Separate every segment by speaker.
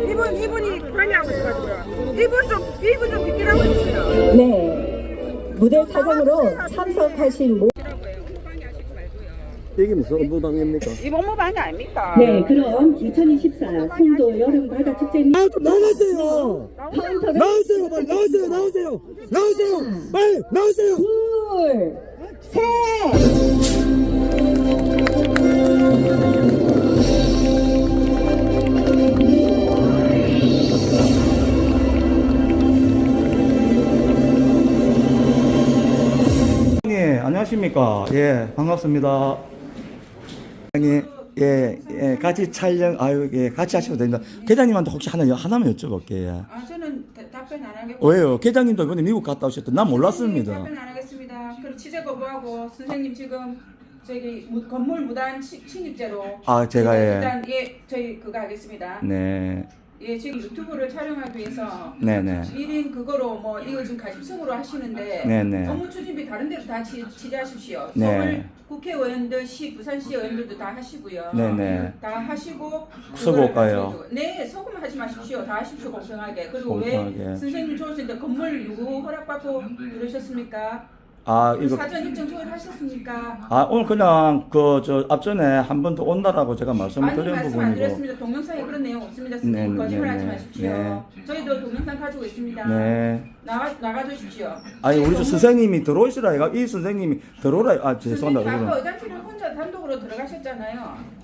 Speaker 1: 이분이 관여하고 있어가지고요. 이분 좀 비키라고 해주세요.
Speaker 2: 네, 무대 사장으로 참석하신
Speaker 3: 이게 무슨 업무방해입니까?
Speaker 1: 이 법무방해 아닙니까?
Speaker 2: 네, 그럼 2024 송도 여름 바다 축제 및
Speaker 3: 좀 나가세요!
Speaker 2: 카운터를
Speaker 3: 나오세요! 빨리 나오세요! 나오세요! 나오세요! 빨리 나오세요!
Speaker 2: 둘, 셋.
Speaker 4: 예, 안녕하십니까. 예, 반갑습니다. 예, 같이 촬영, 예, 같이 하셔도 됩니다. 계장님한테 혹시 하나만 여쭤볼게요.
Speaker 1: 저는 답변 안 하겠고.
Speaker 4: 왜요? 계장님도 이번에 미국 갔다 오셨던, 난 몰랐습니다.
Speaker 1: 답변 안 하겠습니다. 그리고 취재 거부하고 선생님 지금 저기 건물 무단 침입죄로.
Speaker 4: 제가, 예.
Speaker 1: 일단 저희 그거 하겠습니다.
Speaker 4: 네.
Speaker 1: 예, 지금 유튜브를 촬영하기 위해서
Speaker 4: 네네.
Speaker 1: 1인 그거로 뭐 이거 지금 가십성으로 하시는데
Speaker 4: 네네.
Speaker 1: 업무 추진비 다른 데로 다 지지하십시오.
Speaker 4: 네.
Speaker 1: 서울 국회의원들, 부산시 의원들도 다 하시고요.
Speaker 4: 네네.
Speaker 1: 다 하시고
Speaker 4: 수고할까요?
Speaker 1: 그거를 네, 소금 하지 마십시오. 다 하십시오, 공평하게. 그리고
Speaker 4: 공평하게.
Speaker 1: 왜 선생님 좋으신데 건물 누구 허락받고 들으셨습니까?
Speaker 4: 이거.
Speaker 1: 사전 일정 조율하셨습니까?
Speaker 4: 오늘 그냥, 앞전에 한 번 더 온다라고 제가 말씀을
Speaker 1: 아니,
Speaker 4: 드린
Speaker 1: 말씀 안
Speaker 4: 부분이고.
Speaker 1: 드렸습니다. 동영상에 그런 내용 없습니다. 선생님
Speaker 4: 네,
Speaker 1: 거짓말
Speaker 4: 네,
Speaker 1: 하지
Speaker 4: 네,
Speaker 1: 마십시오.
Speaker 4: 네.
Speaker 1: 저희도 동영상 가지고 있습니다.
Speaker 4: 네.
Speaker 1: 나가 주십시오.
Speaker 4: 아니, 우리 선생님이 들어오시라, 이거. 이 선생님이 들어오라,
Speaker 1: 선생님
Speaker 4: 죄송합니다.
Speaker 1: 아까 의장실에 혼자 단독으로 들어가셨잖아요.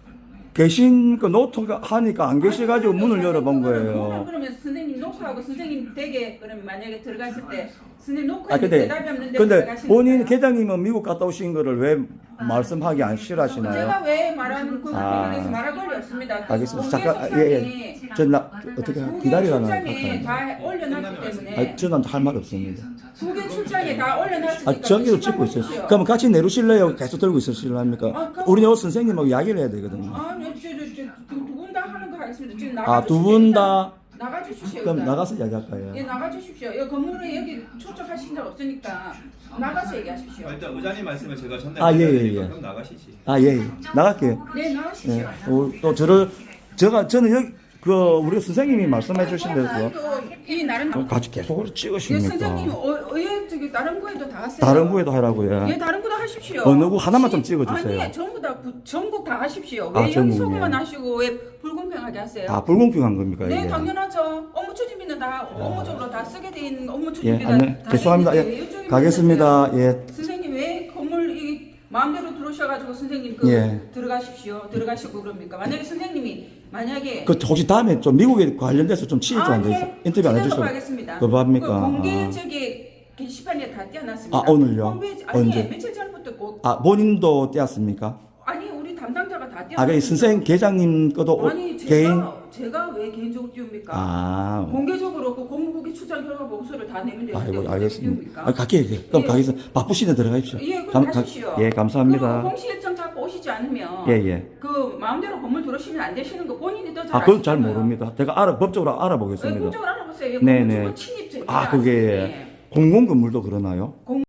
Speaker 4: 계신 그 노트가 하니까 안 계셔가지고 문을 열어본 거예요.
Speaker 1: 그러면 선생님 노크하고 선생님 댁에 그러면 만약에 들어갔을 때 선생님
Speaker 4: 아
Speaker 1: 노크에
Speaker 4: 근데
Speaker 1: 대답이 없는데
Speaker 4: 본인 계장님은 미국 갔다 오신 거를 왜 말씀하기 안 싫어하시나요?
Speaker 1: 제가 왜 말하는 그
Speaker 4: 아.
Speaker 1: 부분에서 말할 권리 없습니다.
Speaker 4: 알겠습니다. 잠깐 예. 어떻게 기다리라나
Speaker 1: 출장에 다 올려놨기 때문에
Speaker 4: 저는 할 말 없습니다.
Speaker 1: 국외 출장에 다 올려놨으니까
Speaker 4: 저기도 찍고 있어요. 그럼 같이 내려오실래요? 계속 들고 있으실랍니까?
Speaker 1: 그럼-
Speaker 4: 우리 요 선생님하고 이야기를 해야 되거든요.
Speaker 1: 아니 두 분 다 하는 거 하겠습니다. 지금
Speaker 4: 두 분 다.
Speaker 1: 나가주십시오.
Speaker 4: 그럼
Speaker 1: 일단.
Speaker 4: 나가서 이야기할까요?
Speaker 1: 예, 나가주십시오. 이 건물에 여기 초청하신 적 없으니까 나가서 얘기하십시오.
Speaker 5: 일단 의장님 말씀을 제가
Speaker 4: 예,
Speaker 5: 전달드리니까
Speaker 4: 예.
Speaker 5: 그럼 나가시지.
Speaker 4: 예. 나갈게요.
Speaker 1: 네, 나가십시오.
Speaker 4: 예. 또 저는 여기 우리 선생님이 말씀해 주신 대로
Speaker 1: 이 나름
Speaker 4: 같이 계속
Speaker 1: 예,
Speaker 4: 찍으십니까?
Speaker 1: 선생님 저기 다른 거에도 다 하세요.
Speaker 4: 다른 구에도 하라고요.
Speaker 1: 예, 다른 거도 하십시오.
Speaker 4: 어느 구 하나만 좀 찍어주세요.
Speaker 1: 아니, 전부 다 전국 다 하십시오. 왜 여기
Speaker 4: 전국이요?
Speaker 1: 소금만 하시고 왜 불공평하게 하세요?
Speaker 4: 불공평한 겁니까
Speaker 1: 네,
Speaker 4: 이게?
Speaker 1: 당연하죠. 업무 추진비는 다 업무적으로 다 쓰게 돼 있는 업무
Speaker 4: 예,
Speaker 1: 추진비가 다
Speaker 4: 죄송합니다.
Speaker 1: 있는데
Speaker 4: 예,
Speaker 1: 왜 이쪽에
Speaker 4: 가겠습니다.
Speaker 1: 문제세요?
Speaker 4: 예,
Speaker 1: 선생님 왜 건물 마음대로 들어오셔가지고 선생님
Speaker 4: 예.
Speaker 1: 들어가시고 그럽니까? 만약에 선생님이
Speaker 4: 혹시 다음에 좀 미국에 관련돼서 좀 취재 좀 안 돼서 인터뷰 안 해주셔도
Speaker 1: 하겠습니다.
Speaker 4: 거부합니까?
Speaker 1: 그 공개
Speaker 4: 아.
Speaker 1: 저기 게시판에 다 띄어놨습니다.
Speaker 4: 오늘요?
Speaker 1: 홈페이지, 아니
Speaker 4: 언제?
Speaker 1: 며칠 전부터
Speaker 4: 본인도 떼었습니까?
Speaker 1: 아니 우리 담당자가 다 띄어놨습니다.
Speaker 4: 그 선생 계장님 것도
Speaker 1: 아니
Speaker 4: 개인?
Speaker 1: 제가 왜 개인적으로 띄웁니까? 공개적으로 그 공무국의 출장 결과 보고서를 다 내면 되는데
Speaker 4: 아이고,
Speaker 1: 어떻게
Speaker 4: 알겠습니다.
Speaker 1: 띄웁니까?
Speaker 4: 갈게요. 그럼
Speaker 1: 예.
Speaker 4: 가겠습니다. 바쁘시네 들어가십시오.
Speaker 1: 예, 그럼 가십시오.
Speaker 4: 예, 감사합니다.
Speaker 1: 그리고 공시 일정 잡고 오시지 않으면
Speaker 4: 예.
Speaker 1: 그 마음대로 건물 들어오시면 안 되시는 거 본인이 더 잘
Speaker 4: 그건 잘
Speaker 1: 아시잖아요.
Speaker 4: 모릅니다. 제가 법적으로
Speaker 1: 예,
Speaker 4: 알아보겠습니다.
Speaker 1: 법적으로 알아보세요.
Speaker 4: 네네.
Speaker 1: 건물 침입죄.
Speaker 4: 그게 공공건물도 그러나요?